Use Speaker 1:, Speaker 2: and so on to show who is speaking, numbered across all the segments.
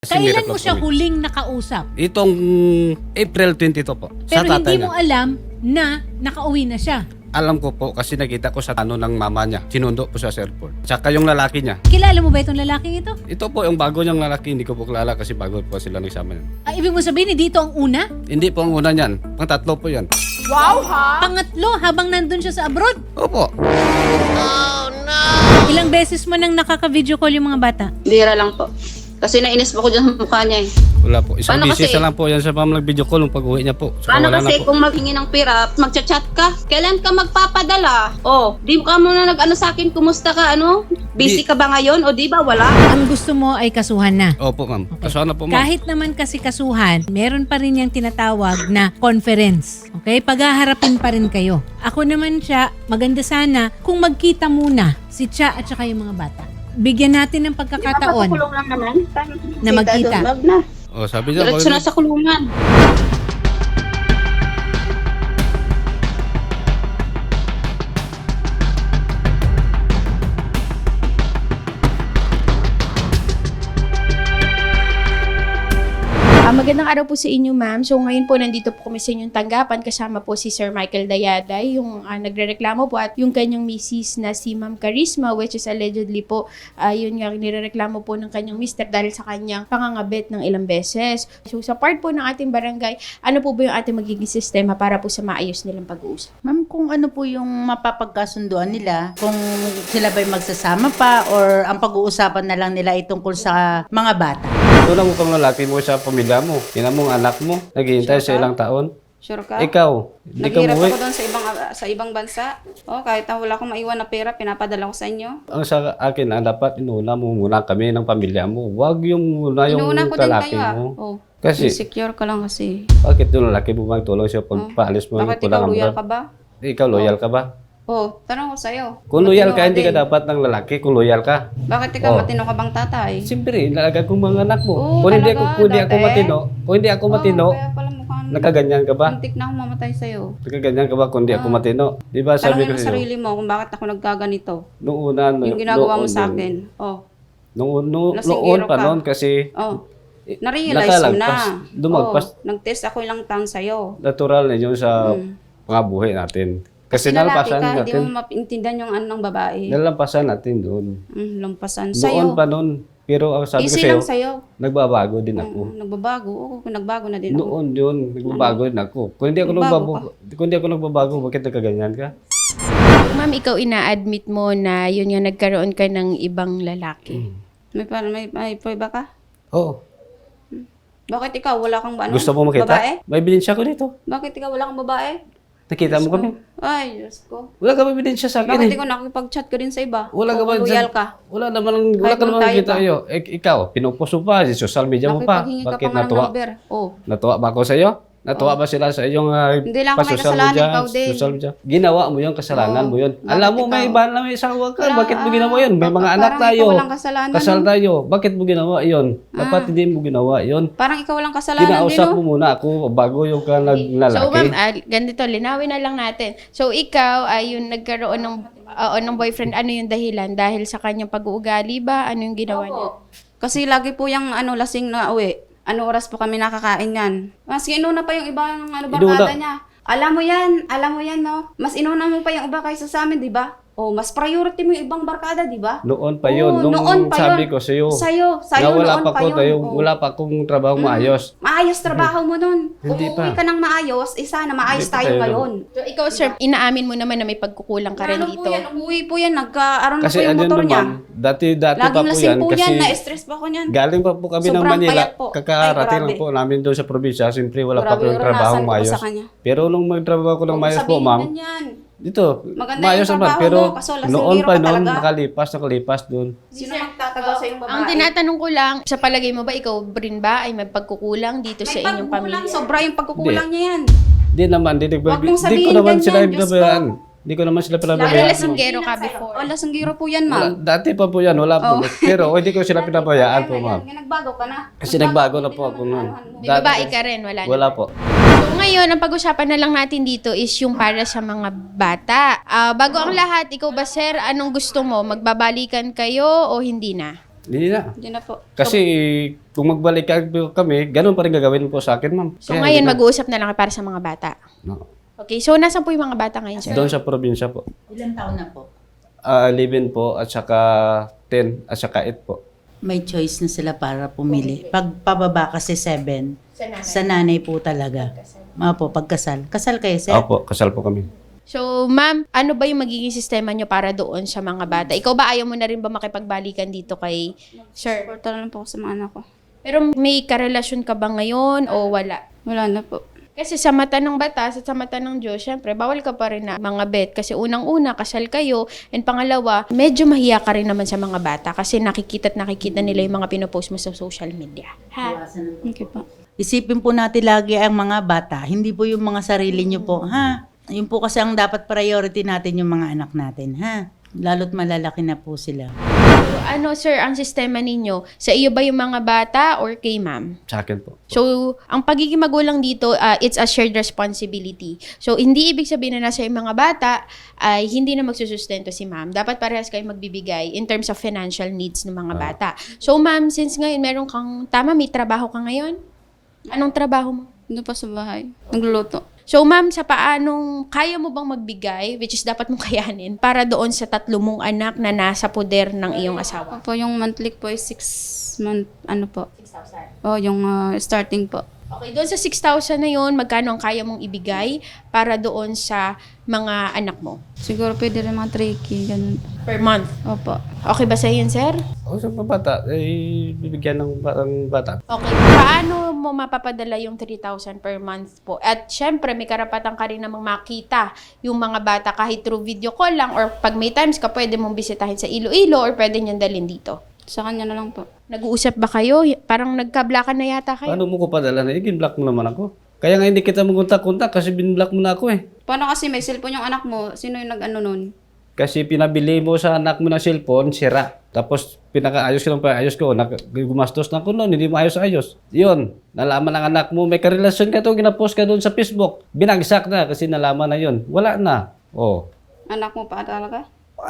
Speaker 1: Kasi
Speaker 2: Kailan
Speaker 1: meron
Speaker 2: mo
Speaker 1: po
Speaker 2: siya
Speaker 1: kami.
Speaker 2: huling nakausap?
Speaker 1: Itong April 22 po.
Speaker 2: Pero
Speaker 1: sa
Speaker 2: hindi
Speaker 1: tatay
Speaker 2: mo
Speaker 1: niya.
Speaker 2: alam na nakauwi na siya.
Speaker 1: Alam ko po kasi nakita ko sa ano ng mama niya. Sinundo po sa airport. Tsaka yung lalaki niya.
Speaker 2: Kilala mo ba itong lalaking ito?
Speaker 1: Ito po yung bago niyang lalaki. Hindi ko po kilala kasi bago po sila nagsama yan.
Speaker 2: Ibig mo sabihin, dito ang una?
Speaker 1: Hindi po ang una niyan. Pang-tatlo po yan.
Speaker 2: Pangatlo, habang nandun siya sa abroad?
Speaker 1: Opo.
Speaker 2: Ilang beses mo nang nakaka-video call yung mga bata?
Speaker 3: Bira lang po. Kasi nainis po ko dyan sa mukha niya eh.
Speaker 1: Wala po. Isang
Speaker 3: Paano
Speaker 1: bisis
Speaker 3: kasi?
Speaker 1: na lang po yan sa pamag-video call nung pag-uwi niya po. Saka
Speaker 3: Paano
Speaker 1: wala
Speaker 3: kasi
Speaker 1: na po.
Speaker 3: kung maghingi ng pera, magchat-chat ka? Kailan ka magpapadala? Oh, di ka muna nag-ano sa akin, kumusta ka, ano? Busy ka ba ngayon? O di ba, wala?
Speaker 2: Ang gusto mo ay kasuhan na.
Speaker 1: Opo ma'am. Kaso na po ma'am.
Speaker 2: Kahit naman kasi kasuhan, meron pa rin yung tinatawag na conference. Okay? Paghaharapin pa rin kayo. Ako naman siya, maganda sana kung magkita muna si Cha at saka yung mga bata. Bigyan natin ng pagkakataon.
Speaker 3: Kulong lang naman.
Speaker 2: Na magkita.
Speaker 3: Wag na.
Speaker 1: Oh, sabi niya.
Speaker 3: Diretso na sa kulungan.
Speaker 4: Magandang araw po sa inyo, ma'am. So ngayon po nandito po kami sa inyong tanggapan kasama po si Sir Michael Dayaday, yung nagrereklamo po at yung kanyang misis na si Ma'am Charisma, which is allegedly po yun nga nirereklamo po ng kanyang mister dahil sa kanyang pangangabit ng ilang beses. So sa part po ng ating barangay, ano po ba yung ating magiging sistema para po sa maayos nilang pag-uusap?
Speaker 5: Ma'am, kung ano po yung mapapagkasunduan nila, kung sila ba'y magsasama pa or ang pag-uusapan na lang nila ay tungkol sa mga bata.
Speaker 1: Ito na mo kang lalaki mo sa pamilya mo. Yan ang mga anak mo. Naghihintay sa ilang taon.
Speaker 6: Sure ka?
Speaker 1: Ikaw, hindi ka
Speaker 6: Naghirap
Speaker 1: umuwi.
Speaker 6: ako doon sa ibang bansa. Oh, kahit na wala akong maiwan na pera, pinapadala ko sa inyo.
Speaker 1: Ang sa akin, dapat inuna mo muna kami ng pamilya mo. Huwag yung muna yung
Speaker 6: Inuuna ko din
Speaker 1: lalaki
Speaker 6: kayo
Speaker 1: mo.
Speaker 6: Oh,
Speaker 1: Kasi,
Speaker 6: insecure ka lang kasi.
Speaker 1: bakit yung lalaki mo magtulong siya pagpaalis mo?
Speaker 6: Bakit ikaw loyal ka ba?
Speaker 1: Ikaw loyal ka ba?
Speaker 6: Oh, tanong ko sa'yo.
Speaker 1: Kung loyal
Speaker 6: Matino
Speaker 1: ka, hindi ka
Speaker 6: din.
Speaker 1: dapat ng lalaki kung loyal ka.
Speaker 6: Bakit ikaw
Speaker 1: Oh.
Speaker 6: matino ka bang tatay?
Speaker 1: Siyempre, nalaga kong mga anak mo.
Speaker 6: Oo,
Speaker 1: kung hindi
Speaker 6: talaga,
Speaker 1: ako
Speaker 6: dati.
Speaker 1: matino, kung hindi ako matino,
Speaker 6: Oh, kaya pala mukha mo.
Speaker 1: nakaganyan ka ba?
Speaker 6: Muntik na akong mamatay sa'yo.
Speaker 1: Nakaganyan ka ba kung hindi ako matino? Di ba sabi
Speaker 6: Tanongin
Speaker 1: ko
Speaker 6: mo
Speaker 1: sa'yo,
Speaker 6: sarili mo kung bakit ako nagkaganito.
Speaker 1: noong una,
Speaker 6: Yung ginagawa mo
Speaker 1: noon
Speaker 6: sa
Speaker 1: yun.
Speaker 6: akin. Oh,
Speaker 1: Noon
Speaker 6: Lasinggero
Speaker 1: pa
Speaker 6: ka.
Speaker 1: noon kasi
Speaker 6: oh. Na-realize mo na.
Speaker 1: dumagpas.
Speaker 6: Oh, nag-test ako ilang taon sa'yo.
Speaker 1: natural na yun sa mga buhay natin. Kasi
Speaker 6: Lalaki
Speaker 1: nalampasan
Speaker 6: ka, hindi
Speaker 1: natin.
Speaker 6: mo maintindihan yung anong babae.
Speaker 1: Nalampasan natin doon.
Speaker 6: Lampasan
Speaker 1: Noon
Speaker 6: sa'yo.
Speaker 1: pa noon. Pero ang sabi ko
Speaker 6: Easy
Speaker 1: sa'yo,
Speaker 6: lang sa'yo.
Speaker 1: nagbabago din ako.
Speaker 6: Nagbabago. Oo, nagbago na din ako.
Speaker 1: Noon yun, nagbabago din ako. Kung hindi ako nagbabago, bakit nagkaganyan ka?
Speaker 4: Ma'am, ikaw ina-admit mo na yun nga nagkaroon ka ng ibang lalaki.
Speaker 6: May prueba ka?
Speaker 1: Oo.
Speaker 6: Bakit ikaw wala kang ano?
Speaker 1: Gusto mo makita?
Speaker 6: Babae?
Speaker 1: May ebidensya ko dito.
Speaker 6: Bakit ikaw wala kang babae?
Speaker 1: Nakita mo kami.
Speaker 6: Ay, Diyos ko.
Speaker 1: Wala ka ba ebidensya sa akin
Speaker 6: Bakit
Speaker 1: eh.
Speaker 6: ikaw nakikipag-chat ka din sa iba?
Speaker 1: Wala ka
Speaker 6: O
Speaker 1: ba
Speaker 6: loyal
Speaker 1: dyan?
Speaker 6: ka?
Speaker 1: Wala naman
Speaker 6: Kahit
Speaker 1: ka naman
Speaker 6: tayo
Speaker 1: kita
Speaker 6: pa.
Speaker 1: iyo. Ikaw, pinupost mo pa sa social media mo pa.
Speaker 6: Nakipaghingi ka
Speaker 1: Bakit
Speaker 6: pa nga ng
Speaker 1: natuwa?
Speaker 6: number. Oh.
Speaker 1: Natuwa ba ako sa iyo? Natuwa ba sila sa iyong
Speaker 6: Hindi lang ako may
Speaker 1: pa-social
Speaker 6: kasalanan,
Speaker 1: media,
Speaker 6: ikaw din.
Speaker 1: social media? Ginawa mo yun, kasalanan mo yun.
Speaker 6: Bakit
Speaker 1: Alam mo, may
Speaker 6: ikaw?
Speaker 1: iba na may asawa ka.
Speaker 6: Wala,
Speaker 1: Bakit mo ginawa yun? May mga anak
Speaker 6: parang
Speaker 1: tayo.
Speaker 6: ikaw walang kasalanan,
Speaker 1: Kasal
Speaker 6: no?
Speaker 1: tayo. Bakit mo ginawa yun? Dapat hindi mo ginawa yun.
Speaker 6: Parang ikaw walang kasalanan din,
Speaker 1: Kinausap
Speaker 6: no?
Speaker 1: mo muna ako bago yung ka
Speaker 4: So,
Speaker 1: naglalaki.
Speaker 4: ma'am, ganito, linawin na lang natin. So, ikaw ay yung nagkaroon ng boyfriend, ano yung dahilan? Dahil sa kanyang pag-uugali ba? Ano yung ginawa niya?
Speaker 6: Kasi lagi po yung lasing na uwi. Ano oras po kami nakakain yan. Mas inuna pa yung iba ng barkada
Speaker 1: Inuna.
Speaker 6: niya. Alam mo yan, no? Mas inuna mo pa yung iba kaysa sa amin, di ba? O, mas priority mo yung ibang barkada, di ba?
Speaker 1: Noon pa yun.
Speaker 6: Oo,
Speaker 1: Nung
Speaker 6: noon pa
Speaker 1: sabi
Speaker 6: yun.
Speaker 1: ko sa iyo.
Speaker 6: Sa'yo
Speaker 1: na wala
Speaker 6: noon
Speaker 1: pa
Speaker 6: pa
Speaker 1: ko
Speaker 6: yun.
Speaker 1: tayo,
Speaker 6: Oo.
Speaker 1: wala pa akong trabaho maayos.
Speaker 6: Maayos trabaho mo nun. Kung
Speaker 1: Hindi pa.
Speaker 6: uuwi ka ng maayos, na maayos
Speaker 1: Hindi pa
Speaker 6: tayo
Speaker 1: tayo
Speaker 6: ngayon.
Speaker 4: So, ikaw, sir, inaamin mo naman na may pagkukulang ka rin
Speaker 6: Ano
Speaker 4: dito.
Speaker 6: po yan? Umuwi po yan. Nagkaaroon na
Speaker 1: Kasi
Speaker 6: po yung
Speaker 1: andyan
Speaker 6: motor niya.
Speaker 1: naman, dati pa
Speaker 6: Laging
Speaker 1: po
Speaker 6: lasing
Speaker 1: yan.
Speaker 6: po
Speaker 1: Kasi
Speaker 6: yan. Na-stress pa ako niyan.
Speaker 1: galing pa po kami ng
Speaker 6: Sobrang
Speaker 1: Manila.
Speaker 6: payat po.
Speaker 1: Kakarating
Speaker 6: Ay,
Speaker 1: lang po namin doon sa probinsya. Siyempre wala pa
Speaker 6: Grabe
Speaker 1: po yung
Speaker 6: yung
Speaker 1: trabaho
Speaker 6: naranasan ko
Speaker 1: maayos.
Speaker 6: sa kanya.
Speaker 1: Pero nung magtrabaho ko ng
Speaker 6: Huwag
Speaker 1: maayos po,
Speaker 6: sabihin
Speaker 1: ma'am,
Speaker 6: ganyan.
Speaker 1: dito,
Speaker 6: Maganda
Speaker 1: maayos
Speaker 6: yung
Speaker 1: naman.
Speaker 6: trabaho
Speaker 1: Pero
Speaker 6: mo, kaso lasinggero
Speaker 1: noon pa
Speaker 6: ka
Speaker 1: noon,
Speaker 6: talaga.
Speaker 1: nakalipas doon.
Speaker 6: Sino magtatagal sa yung babae?
Speaker 4: Ang tinatanong ko lang, sa palagay mo ba, ikaw rin ba ay may pagkukulang dito sa inyong
Speaker 6: pagkukulang.
Speaker 4: pamilya?
Speaker 6: Sobra yung pagkukulang niya yan.
Speaker 1: Di naman,
Speaker 6: Huwag mong
Speaker 1: di ko
Speaker 6: sabihin
Speaker 1: naman
Speaker 6: ganyan,
Speaker 1: sila
Speaker 6: Diyos
Speaker 1: pinabayaan.
Speaker 6: ko.
Speaker 1: Di ko naman sila
Speaker 4: Pero
Speaker 1: pinabayaan.
Speaker 4: lasinggero ka before.
Speaker 6: O, lasinggero po yan,
Speaker 1: Wala,
Speaker 6: ma'am.
Speaker 1: dati pa po yan, wala po. Pero hindi ko sila pinabayaan po, ma'am.
Speaker 6: Nagbago ka na.
Speaker 1: Kasi nagbago na po ako noon.
Speaker 4: May babae ka rin, wala na.
Speaker 1: Wala po.
Speaker 4: So ngayon, ang pag-usapan na lang natin dito is yung para sa mga bata. Bago ang lahat, ikaw ba sir, anong gusto mo? Magbabalikan kayo o hindi na?
Speaker 1: Hindi na.
Speaker 6: Hindi na po.
Speaker 1: Kasi kung magbalik kami, ganun pa rin gagawin po sa akin, ma'am.
Speaker 4: So
Speaker 1: Kaya
Speaker 4: ngayon
Speaker 1: hindi na.
Speaker 4: mag-uusap na lang kayo para sa mga bata.
Speaker 1: No.
Speaker 4: Okay, so nasan po yung mga bata ngayon, sir?
Speaker 1: Doon sa probinsya po.
Speaker 5: Ilang taon na po?
Speaker 1: 11 po at saka 10 at saka 8 po.
Speaker 5: May choice na sila para pumili. Pag pababa kasi 7, sa nanay po talaga. Opo, pagkasal. Kasal kayo, sir?
Speaker 1: Opo, kasal po kami.
Speaker 4: So, ma'am, ano ba yung magiging sistema nyo para doon sa mga bata? Ikaw ba ayaw mo na rin ba makipagbalikan dito kay sir?
Speaker 6: Suporta lang po ako sa mga anak ko.
Speaker 4: Pero may karelasyon ka ba ngayon o wala?
Speaker 6: Wala na po.
Speaker 4: Kasi sa mata ng batas at sa mata ng Diyos, syempre, bawal ka pa rin na mga bet. Kasi unang-una, kasal kayo. And pangalawa, medyo mahiya ka rin naman sa mga bata kasi nakikita nila yung mga pinopost mo sa social media. Ha?
Speaker 6: Okay po.
Speaker 5: Isipin po natin lagi ang mga bata, hindi po yung mga sarili nyo po, ha? Yun po kasi ang dapat priority natin yung mga anak natin, ha? Lalo't malalaki na po sila.
Speaker 4: So, ano, sir, ang sistema ninyo? Sa iyo ba yung mga bata or kay ma'am?
Speaker 1: Sa akin po.
Speaker 4: So, ang pagiging magulang dito, it's a shared responsibility. So, hindi ibig sabihin na nasa yung mga bata ay hindi na magsusustento si ma'am. Dapat parehas kayo magbibigay in terms of financial needs ng mga bata. So, ma'am, since ngayon meron kang, may trabaho ka ngayon? Anong trabaho mo?
Speaker 6: Doon pa sa bahay. Nagluluto.
Speaker 4: So, ma'am, sa paanong kaya mo bang magbigay, which is dapat mong kayanin, para doon sa 3 mong anak na nasa poder ng iyong asawa?
Speaker 6: Opo, yung monthly po ay 6 month, ano po? 6,000. Oh, yung starting po.
Speaker 4: Okay, doon sa 6,000 na yun, magkano ang kaya mong ibigay para doon sa mga anak mo?
Speaker 6: Siguro pwede rin mga 3K, ganun.
Speaker 4: Per month.
Speaker 6: Opo.
Speaker 4: Okay ba sa yun, sir?
Speaker 1: O sa mga bata, bibigyan ng bata.
Speaker 4: Okay. Paano mo mapapadala yung 3,000 per month po? At syempre, may karapatan ka rin namang makita yung mga bata kahit through video call lang or pag may times ka, pwede mong bisitahin sa Iloilo or pwede niyang dalhin dito.
Speaker 6: Sa kanya na lang po.
Speaker 4: Nag-uusap ba kayo? Parang nagka-blockan na yata kayo.
Speaker 1: Paano mo ko padala na? Gin-block mo naman ako. Kaya nga hindi kita magunta-kunta kasi bin-block mo na ako eh.
Speaker 6: Paano kasi may cellphone yung anak mo? Sino yung nag-ano nun?
Speaker 1: Kasi pinabili mo sa anak mo ng cellphone, sira. Tapos pinakaayos ko ng paayos ko. Gumastos na ko noon, hindi mo ayos-ayos. Yun, nalaman ng anak mo, may karelasyon ka to, ginapost ka doon sa Facebook. Binagsak na kasi nalaman na yun. Wala na. Oh.
Speaker 6: Anak mo pa talaga?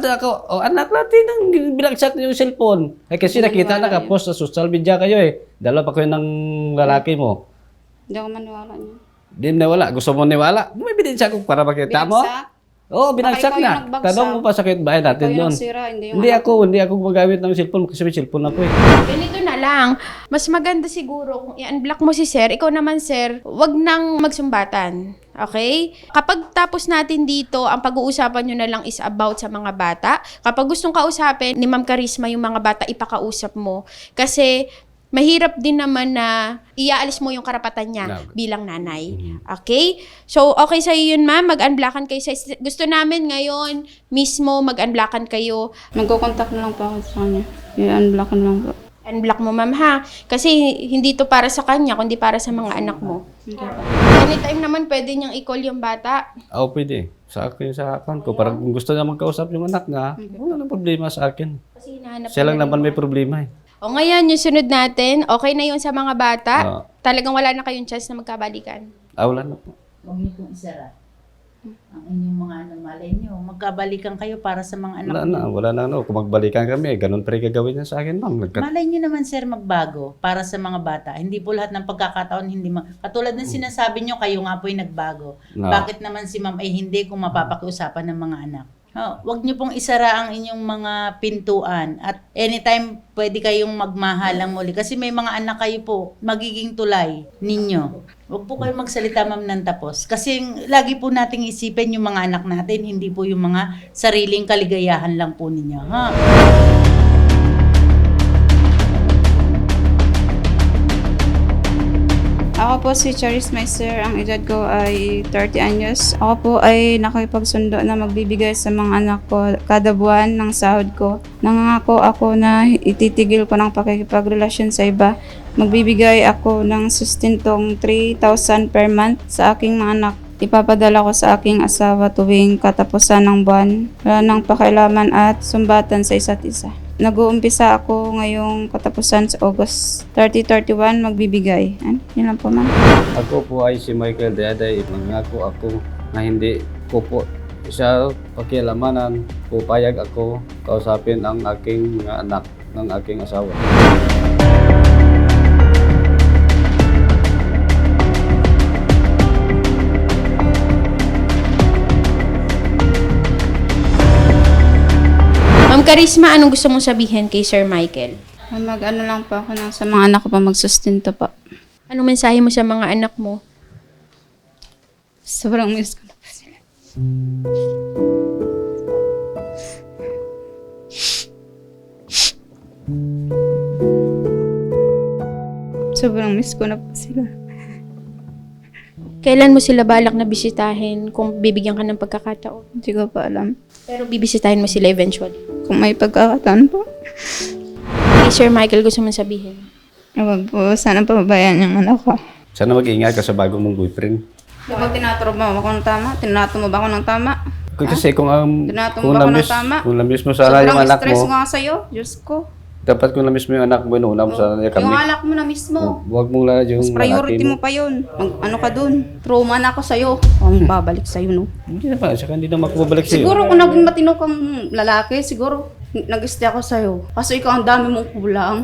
Speaker 1: Anak natin ang binagsak na yung cellphone. Eh kasi nakita nakapost sa social media kayo eh. Dalawa pa kayo ng lalaki mo.
Speaker 6: Hindi ako maniwala niya.
Speaker 1: Di nawala. Gusto mo niwala? May binagsak ko para makita mo.
Speaker 6: Binagsak?
Speaker 1: Oo, binagsak
Speaker 6: Baka ikaw
Speaker 1: na.
Speaker 6: yung nagbagsak.
Speaker 1: Tanong mo pa sa bahay natin
Speaker 6: Ikaw yung
Speaker 1: doon.
Speaker 6: sira, hindi yung
Speaker 1: Hindi
Speaker 6: anak
Speaker 1: ako gumagamit ng cellphone kasi may cellphone ako eh.
Speaker 4: Ganito na lang. Mas maganda siguro kung i-unblock mo si sir. Ikaw naman, sir, wag nang magsumbatan. Okay? Kapag tapos natin dito, ang pag-uusapan nyo na lang is about sa mga bata. Kapag gustong kausapin ni Ma'am Charisma yung mga bata, ipakausap mo. Kasi mahirap din naman na iaalis mo yung karapatan niya bilang nanay. Okay? So, okay sa'yo yun, ma'am. Mag-unblockan kayo. Gusto namin ngayon mismo mag-unblockan kayo.
Speaker 6: Magko-contact na lang po ako sa kanya. I-unblock na lang po.
Speaker 4: Unblock mo, ma'am, ha? Kasi hindi to para sa kanya, kundi para sa mga anak mo. Anytime naman, pwede niyang i-call yung bata.
Speaker 1: Oo, pwede. Sa akin, sa account ko. Parang kung gusto niya magkausap yung anak niya, wala nang problema sa akin.
Speaker 4: Kasi hinahanap
Speaker 1: Siya lang
Speaker 4: nila
Speaker 1: naman
Speaker 4: yung-
Speaker 1: may problema eh.
Speaker 4: O ngayon, yung sunod natin, okay na yun sa mga bata?
Speaker 1: Oo.
Speaker 4: Talagang wala na kayong chance na magkabalikan.
Speaker 1: Wala na po.
Speaker 5: Huwag niyo pong isara. Ang inyong mga malay niyo, magkabalikan kayo para sa mga anak
Speaker 1: Wala na. Kung magbalikan kami, ganun pa rin gagawin niya sa akin, ma'am.
Speaker 5: Malay niyo naman, sir, magbago para sa mga bata. Hindi po lahat ng pagkakataon, katulad ng sinasabi niyo, kayo nga po yung nagbago.
Speaker 1: No.
Speaker 5: Bakit naman si ma'am ay hindi kung mapapakiusapan ng mga anak? Huwag niyo pong isara ang inyong mga pintuan at anytime pwede kayong magmahalang muli kasi may mga anak kayo po magiging tulay ninyo. Huwag po kayong magsalita, ma'am, ng tapos kasi lagi po nating isipin yung mga anak natin, hindi po yung mga sariling kaligayahan lang po ninyo. Ha?
Speaker 6: Ako po si Charisma, sir. Ang edad ko ay 30 anyos. Ako po ay nakipagsundo na magbibigay sa mga anak ko kada buwan ng sahod ko. Nangangako ako na ititigil ko ng pakikipagrelasyon sa iba. Magbibigay ako ng sustentong 3,000 per month sa aking mga anak. Ipapadala ko sa aking asawa tuwing katapusan ng buwan. Wala nang pakialaman at sumbatan sa isa't isa. Nag-uumpisa ako ngayong katapusan sa August 30-31 magbibigay. Yun lang po, ma'am.
Speaker 1: Ako po ay si Michael Deaday. Nangako ako na hindi ko po siya pakialamanan. Pupayag ako kausapin ang aking mga anak. ng aking asawa.
Speaker 4: Ma'am Charisma, anong gusto mong sabihin kay Sir Michael?
Speaker 6: Mag-ano lang po ako sa mga anak ko pa magsustento pa.
Speaker 4: Anong mensahe mo sa mga anak mo?
Speaker 6: Sobrang miss ko na po sila. Sobrang miss ko na po sila.
Speaker 4: Kailan mo sila balak na bisitahin kung bibigyan ka ng pagkakataon?
Speaker 6: Hindi ko pa alam.
Speaker 4: Pero bibisitahin mo sila eventually.
Speaker 6: Kung may pagkakataon po.
Speaker 4: Kay Sir Michael, gusto mong sabihin?
Speaker 6: Huwag po, sana pababayaan yung anak ko.
Speaker 1: Sana mag-ingat ka sa bagong mong boyfriend.
Speaker 6: Kapag tinaturo mo ako ng tama, tinato mo ba ako ng tama?
Speaker 1: Kasi kung
Speaker 6: Tinato mo ba ako ng tama?
Speaker 1: kung na-miss mo sana yung anak
Speaker 6: stress
Speaker 1: mo,
Speaker 6: nga sa'yo, Diyos ko.
Speaker 1: dapat kung na-miss mo yung anak mo, inuuna mo sana niya kami.
Speaker 6: Yung anak mo na mismo.
Speaker 1: Huwag mong lalad yung
Speaker 6: Mas priority
Speaker 1: lalaki
Speaker 6: mo pa yun. Ano ka dun? Trauma na ako sa'yo. Ang babalik sa'yo, no?
Speaker 1: Hindi na pa, saka hindi na makababalik sa'yo.
Speaker 6: Siguro kung naging matino kang lalaki, siguro nag-stay ako sa'yo. Kaso ikaw ang dami mong kulang.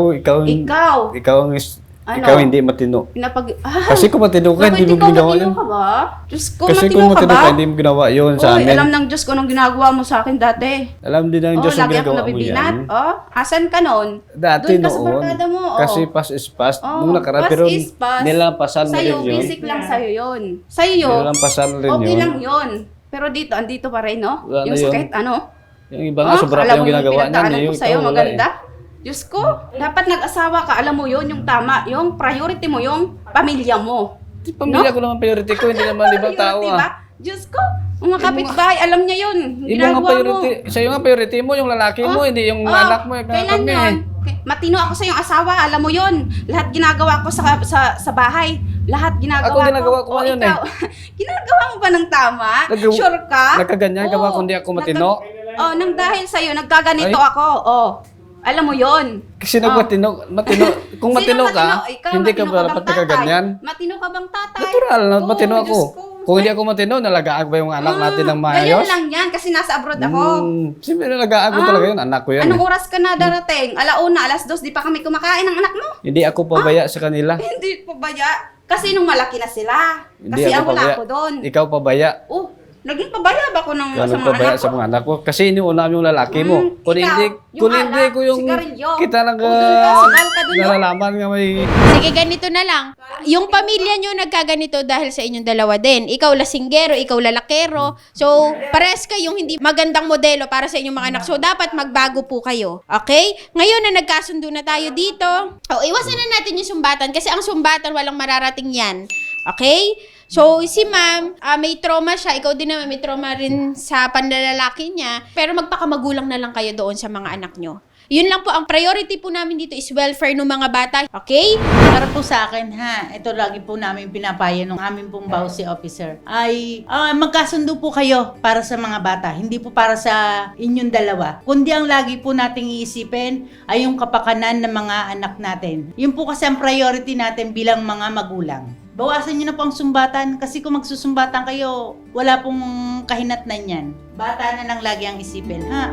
Speaker 6: Ikaw Ano?
Speaker 1: Ikaw hindi matino. Kasi kung matino ka,
Speaker 6: Bakit
Speaker 1: hindi mo
Speaker 6: ikaw
Speaker 1: ginawa
Speaker 6: matino
Speaker 1: yun.
Speaker 6: ka ba? Diyos ko,
Speaker 1: Kasi
Speaker 6: matino
Speaker 1: kung
Speaker 6: ka
Speaker 1: matino
Speaker 6: ba?
Speaker 1: ka, hindi mo ginawa yun sa
Speaker 6: Uy,
Speaker 1: amin.
Speaker 6: alam ng Diyos ko nung ginagawa mo sa akin dati.
Speaker 1: Alam din ng Diyos yung
Speaker 6: lagi ako
Speaker 1: ginagawa mo
Speaker 6: nabibinat.
Speaker 1: yan.
Speaker 6: Asan ka nun?
Speaker 1: Dati
Speaker 6: Doon ka sa
Speaker 1: noon,
Speaker 6: barkada mo.
Speaker 1: kasi past is past, nung nakaraan,
Speaker 6: past
Speaker 1: pero
Speaker 6: is past.
Speaker 1: nilampasan mo
Speaker 6: Sa'yo,
Speaker 1: rin yun.
Speaker 6: basic lang sa'yo yun. Sa'yo,
Speaker 1: Nilampasan rin
Speaker 6: okay
Speaker 1: yun.
Speaker 6: lang yun. Pero dito, andito pa rin, no?
Speaker 1: Wala
Speaker 6: Yung
Speaker 1: na yun.
Speaker 6: sakit, ano?
Speaker 1: Yung iba nga, sobra pa yung ginagawa niyan.
Speaker 6: pinagdaanan ko
Speaker 1: Yung
Speaker 6: sa'yo,
Speaker 1: ikaw, wala
Speaker 6: maganda. Diyos ko, dapat nag-asawa ka, alam mo yun, yung tama, yung priority mo, yung pamilya mo.
Speaker 1: Pamilya ko naman priority ko, hindi naman ibang tao
Speaker 6: Priority ba? Diyos ko, mga kapitbahay, alam niya yun. Yung
Speaker 1: Iba nga
Speaker 6: ginagawa mo.
Speaker 1: priority, sa'yo nga priority mo, yung lalaki mo, hindi yung anak mo.
Speaker 6: Kailan yun? Matino ako sa iyong asawa, alam mo yun. Lahat ginagawa ko sa bahay. Lahat ginagawa
Speaker 1: Ako ginagawa ko
Speaker 6: O,
Speaker 1: yun
Speaker 6: ikaw, ginagawa mo ba ng tama? Sure ka?
Speaker 1: Nagkaganyan ka ba
Speaker 6: Oo.
Speaker 1: kung di ako matino?
Speaker 6: Nang dahil sa'yo, nagkaganito
Speaker 1: Ay.
Speaker 6: ako. Alam mo yun.
Speaker 1: Kasi matino, kung matino ka,
Speaker 6: Ikaw,
Speaker 1: hindi ka
Speaker 6: matino
Speaker 1: ba
Speaker 6: bang
Speaker 1: dapat
Speaker 6: tatay?
Speaker 1: nagkaganyan?
Speaker 6: Matino ka bang tatay?
Speaker 1: Natural,
Speaker 6: Oo,
Speaker 1: matino ako.
Speaker 6: Diyos ko.
Speaker 1: Kung hindi ako matino, nalagaan ba yung anak natin ng
Speaker 6: Ngayon
Speaker 1: maayos?
Speaker 6: lang yan, kasi nasa abroad ako.
Speaker 1: Siyempre nalagaan ko talaga yun, anak ko yan.
Speaker 6: Anong oras ka na darating? 1:00, 2:00, di pa kami kumakain ng anak mo?
Speaker 1: Hindi ako pabaya sa kanila.
Speaker 6: Hindi po ba ya? Kasi nung malaki na sila.
Speaker 1: Hindi
Speaker 6: Kasi
Speaker 1: ako
Speaker 6: wala
Speaker 1: pabaya.
Speaker 6: ako doon.
Speaker 1: Ikaw pabaya.
Speaker 6: Oh, naging pabaya ba ako ng,
Speaker 1: Kaya
Speaker 6: sa mga
Speaker 1: nagpabaya
Speaker 6: anak
Speaker 1: sa
Speaker 6: ko?
Speaker 1: mga anak ko. Kasi iniuna yung lalaki mo. Kung
Speaker 6: ikaw,
Speaker 1: hindi,
Speaker 6: yung
Speaker 1: kung hindi
Speaker 6: alak,
Speaker 1: ko yung
Speaker 6: sigarilyo.
Speaker 1: kita nag
Speaker 6: O, dun ka, sugal ka dun,
Speaker 1: nalalaman nga may...
Speaker 4: Sige, ganito na lang. Yung pamilya nyo nagkaganito dahil sa inyong dalawa din. Ikaw lasinggero, ikaw lalakero. So, pares kayong hindi magandang modelo para sa inyong mga anak. So, dapat magbago po kayo. Okay? Ngayon na nagkasundo na tayo dito. Iwasan na natin yung sumbatan kasi ang sumbatan walang mararating yan. Okay? So, si ma'am, may trauma siya. Ikaw din naman, may trauma rin sa panlalaki niya. Pero magpakamagulang na lang kayo doon sa mga anak nyo. Yun lang po, ang priority po namin dito is welfare ng mga bata. Okay?
Speaker 5: Para po sa akin ha, ito lagi po namin pinapayo ng aming pong Bausi officer, ay magkasundo po kayo para sa mga bata, hindi po para sa inyong dalawa. Kundi ang lagi po nating iisipin ay yung kapakanan ng mga anak natin. Yun po kasi ang priority natin bilang mga magulang. Bawasan nyo na po ang sumbatan kasi kung magsusumbatan kayo, wala pong kahinatnan yan. Bata na lang lagi ang isipin, ha?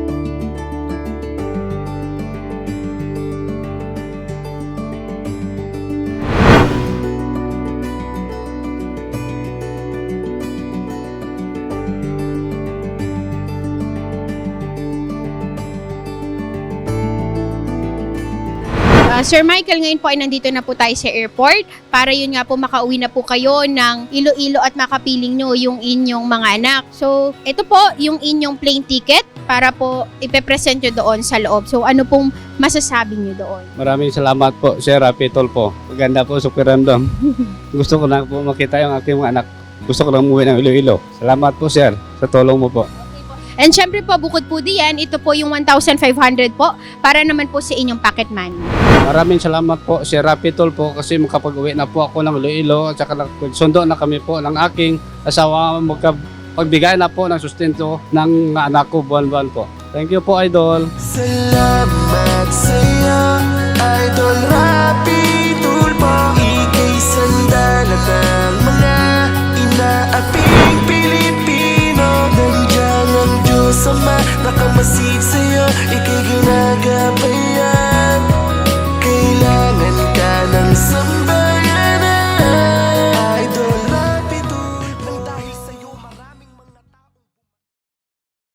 Speaker 4: Sir Michael, ngayon po ay nandito na po tayo sa airport para yun nga po makauwi na po kayo ng Iloilo at makapiling nyo yung inyong mga anak. So, ito po yung inyong plane ticket para po ipepresent nyo doon sa loob. So, ano pong masasabi nyo doon?
Speaker 1: Maraming salamat po, Sir Rapitol po. Maganda po sa pakiramdam. Gusto ko na po makita yung aking mga anak. Gusto ko lang umuwi ng Iloilo. Salamat po, Sir, sa tulong mo po.
Speaker 4: And syempre po, bukod po diyan, ito po yung 1,500 po para naman po sa inyong pocket money.
Speaker 1: Maraming salamat po, Sir Rapitol po, kasi makapag-uwi na po ako ng Iloilo at saka nagsundo na kami po ng aking asawa. Magpagbigay na po ng sustento ng anak ko buwan-buwan po. Thank you po, Idol.
Speaker 7: Salamat sa'yo, Idol Rapi.